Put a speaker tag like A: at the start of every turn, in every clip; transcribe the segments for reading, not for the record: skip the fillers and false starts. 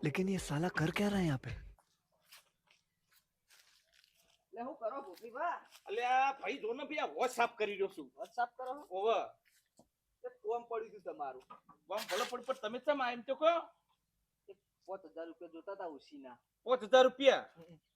A: लेकिन ये साला कर क्या रहा है यहाँ पे?
B: લે હું કરો ભૂપીભા?
C: અલ્યા ભાઈ જો ને ભઈ વોચ સાફ કરી રહ્યો છું.
B: વોટ્સઅપ કરો છો?
C: ઓવે
B: તે કોમ પડી ગયું તમારું.
C: વામ ભલે પડી પણ તમે કેમ એમ તો કહો
B: 5000 રૂપિયા જોતા હતા ઉસીના.
C: 5000 રૂપિયા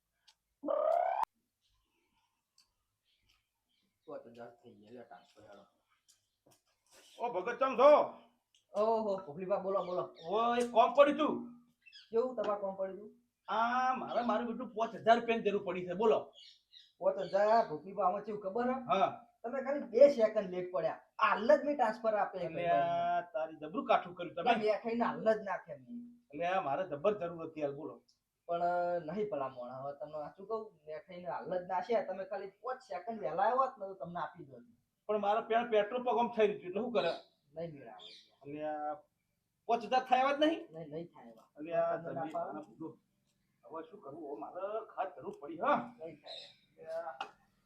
B: 5000 થઈ ગયા લે ટ્રાન્સફર હાલો.
C: ઓ ભગત ચમ છો
B: ઓહો ભૂપીભા બોલો બોલો.
C: ઓય કોમ પડ્યું તું
B: કેવું તમારે કોમ પડી ગયું?
C: આ મારું બેટું 5000 રૂપિયાની જરૂર પડી છે બોલો
B: 5000 ભૂપીભા આમાં કેવું ખબર હે?
C: હા
B: તમે ખાલી 2 સેકન્ડ લેટ પડ્યા. હાલ જ મેં ટ્રાન્સફર આપે
C: અલ્યા તારી જબરું કાઠું કર્યું તમે
B: તમે ખાઈને હાલ જ નાખે મેં.
C: અલ્યા મારે જબર જરૂર હતી હાલ બોલો
B: પણ નહીં ભલા મોણા હવે તમને સાચું કહું મેં ખાઈને હાલ જ નાખ્યા. તમે ખાલી 5 સેકન્ડ વહેલા આવ્યા હોત ને તો તમને આપી દો.
C: પણ મારા પેટ્રોલ પંપ આમ થઈ રહ્યું એટલે શું કરે
B: નહીં મેળાવે.
C: અલ્યા 5000 થયા જ નહીં
B: નહીં થાય એવા.
C: અલ્યા
B: તમને
C: તમે
B: ના
C: આના પૂરો. હવે શું કરવું હવે મારે ખાસ જરૂર પડી હા
B: નહીં થાય.
C: અલ્યા,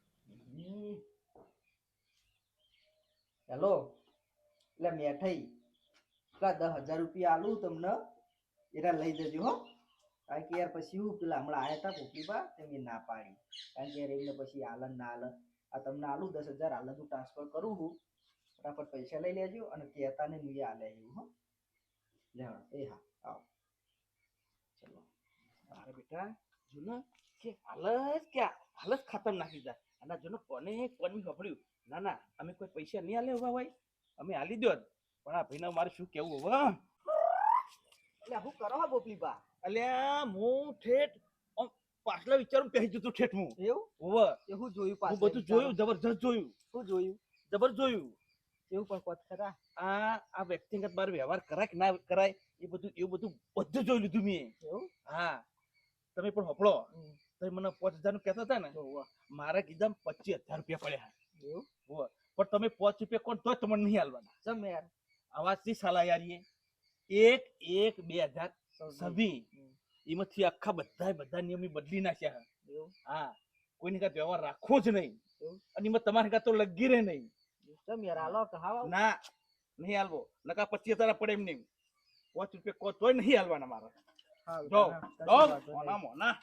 B: હેલો એટલે મેઠાઈ પેલા 10000 રૂપિયા આલું તમને એરા લઈ જજો હો. કારણ કે યાર પછી હું પેલા હમણાં આયા હતા ભૂપીભા તેમ ના પાડી. કારણ કે યાર એમને પછી આલન ના આલન આ તમને આલું 10000 આલન હું ટ્રાન્સફર કરું છું. ફટાફટ પૈસા લઈ લેજો અને કહેતા ને મુએ આલે એવું હો. લે એ હા આવો ચલો.
C: મારે બેટા જો ને કે હાલત ખતમ નાખી જાય અને જો ને કોને કોની ખબર્યું ના ના અમે કોઈ પૈસા નહીં આલે ઉભા ભાઈ અમે આલી દો પણ આ ભાઈને મારે શું કેવું હવે
B: એટલે શું કરો હો ભૂપીભા?
C: અલ્યા હું ઠેઠ આમ પાછલા વિચારું પહેરી જતો ઠેઠ હું
B: એવું
C: હોવે
B: એ હું જોયું
C: હું
B: પાછું
C: બધું જોયું જબરજસ્ત જોયું
B: શું જોયું?
C: જબર જોયું
B: એવું પણ કોત ખરા?
C: આ વ્યક્તિગત બાર વ્યવહાર કરાય કે ના કરાય એવું બધું જોઈ લીધું મેં
B: એવું
C: હા તમે પણ હોપળો તમે મને 5000 નું કહેતા હતા ને
B: હોવે.
C: મારા કીધા 25000 રૂપિયા પડ્યા
B: એવું
C: હોવે. પણ તમે 5 રૂપિયા કોણ તોય તમને નહીં આલવાના
B: જમ યાર
C: આવાજથી સાલા યાર એ 1/1/2026 એમાંથી આખા બધા નિયમ બદલી નાખ્યા છે.
B: એવું
C: હા કોઈની કાંઈ વ્યવહાર રાખવો જ નહીં
B: એવું?
C: અને એમાં તમારે કાં તો લગી રહે નહીં
B: જમ યાર હાલો કે હાવ
C: ના નહીં હાલવો નકા 25000 પડે એમ નહીં 5 રૂપિયા કો તોય નહીં હાલવાના મારા
B: હાલ
C: જો
B: કશી
C: દો
B: વાંધો નહીં.
C: મોના મોના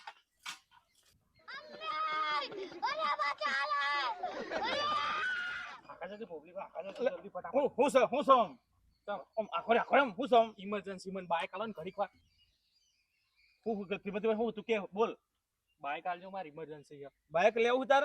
C: હું સોમ આખો હું સોમ
D: ઇમરજન્સી મને બાઈક આલો ને ઘડીક વાર
C: હું શ્રીમતી હું તું કે બોલ
D: બાઈક આલજો મારી ઇમરજન્સી છે
C: બાઈક લેવું તારે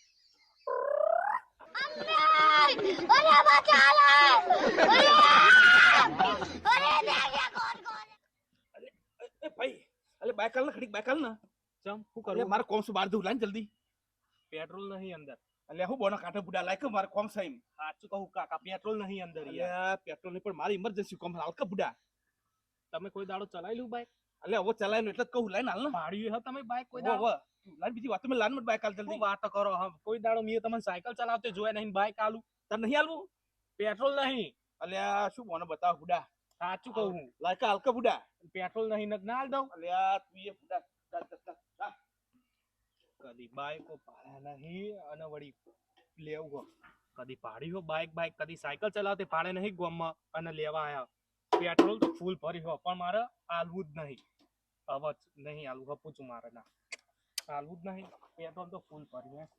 C: એ ભાઈ અલે બાઈક આલ ને ખડીક બાઈક આલ ને
D: ચમ શું
C: અલે
D: કરું
C: મારે કોમ શું બહાર દઉં લાન જલ્દી
D: પેટ્રોલ નહીં અંદર
C: અલે હું બોનો કાંઠે બુડા લાયક મારે કોમ સાઈમ
D: સાચું કહું કાકા પેટ્રોલ નહીં અંદર યાર
C: અલે પેટ્રોલ ની પણ મારી ઇમરજન્સી કોમ હાલ કે બુડા
D: તમે કોઈ દાડો ચલાવી લ્યું બાઈક
C: અલે હવે ચલાય એટલે જ કહું લાઈન હાલ ને
D: પાડ્યું હે તમે બાઈક કોઈ
C: વો
D: દાડો
C: વો લાઈન બીજી વાત મેં લાન મત બાઈક આલ
D: શું
C: જલ્દી
D: વાતો કરો હમ કોઈ દાડો મેં તમને સાયકલ ચલાવતે જોયા નહીં બાઈક આલું
C: તને નહીં આલવું
D: પેટ્રોલ નહીં
C: અલ્યા શું બોનો બતાવ બુડા
D: સાચું કહું હું
C: લાયક હાલ કે બુડા
D: પેટ્રોલ નહીં ને ના આલ દઉં
C: અલ્યા તું એ બુડા જા.
D: કદી બાઈકો પાડ્યા નહીં અને વળી લેવું હો કદી પાડી હો બાઈક કદી સાયકલ ચલાવતે પાડે નહીં ગોમમાં અને લેવા આયા પેટ્રોલ તો ફૂલ ભરી હો પણ મારે આલવું જ નહીં હવે નહીં આલવું હપું છું મારે ના આલવું જ નહીં પેટ્રોલ તો ફૂલ ભરી હે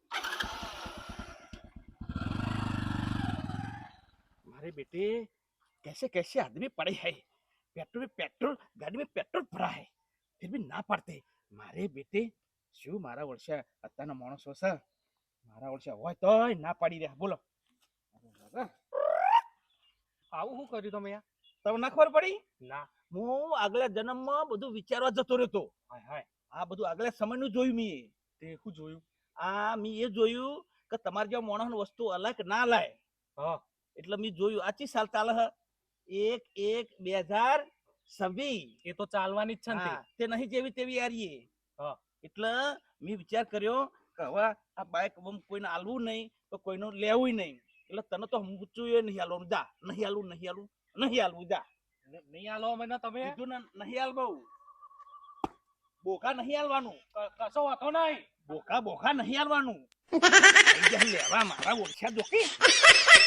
C: मारे बेटे कैसे कैसे आदमी पड़े हैं पेट्रोल गाड़ी में पेट्रोल भरा है फिर भी ना पड़ते मारे बेटे શું મારા વર્ષે અત્યારના માણસો છે મારા વર્ષે હોય તોય ના પાડી રહ્યા બોલો
D: આવું શું કર્યું તમે યાર
C: તમને ના ખબર પડી
D: ના
C: હું આગલા જન્મમાં બધું વિચારવા જતો રહ્યો
D: હાય હાય
C: આ બધું આગલા સમયનું જોયું મેં
D: તે શું જોયું
C: આ મેં એ જોયું કે તમારે જેવા માણસની વસ્તુ અલાય કે ના લાય
D: હા
C: એટલે મેં જોયું આચી સાલ ચાલે હ 1/1/2026
D: એ તો ચાલવાની જ છે ને
C: હા, તે નહીં જેવી તેવી યારીએ
D: હા.
C: એટલે મેં વિચાર કર્યો કે હવે આ બાઈક કોઈને આલવું નહીં તો કોઈનું લેવું નહીં એટલે તને તો ઊંચું એ નહીં હાલવાનું જા નહીં હાલવું જા
D: નહીં આલો મને તમે
C: કીધું ને નહીં હાલ બહુ બોકા નહીં હાલવાનું
D: કશો વાતો નહીં
C: બોકા નહીં હાલવાનું લેવા મારા ઓછા જોકી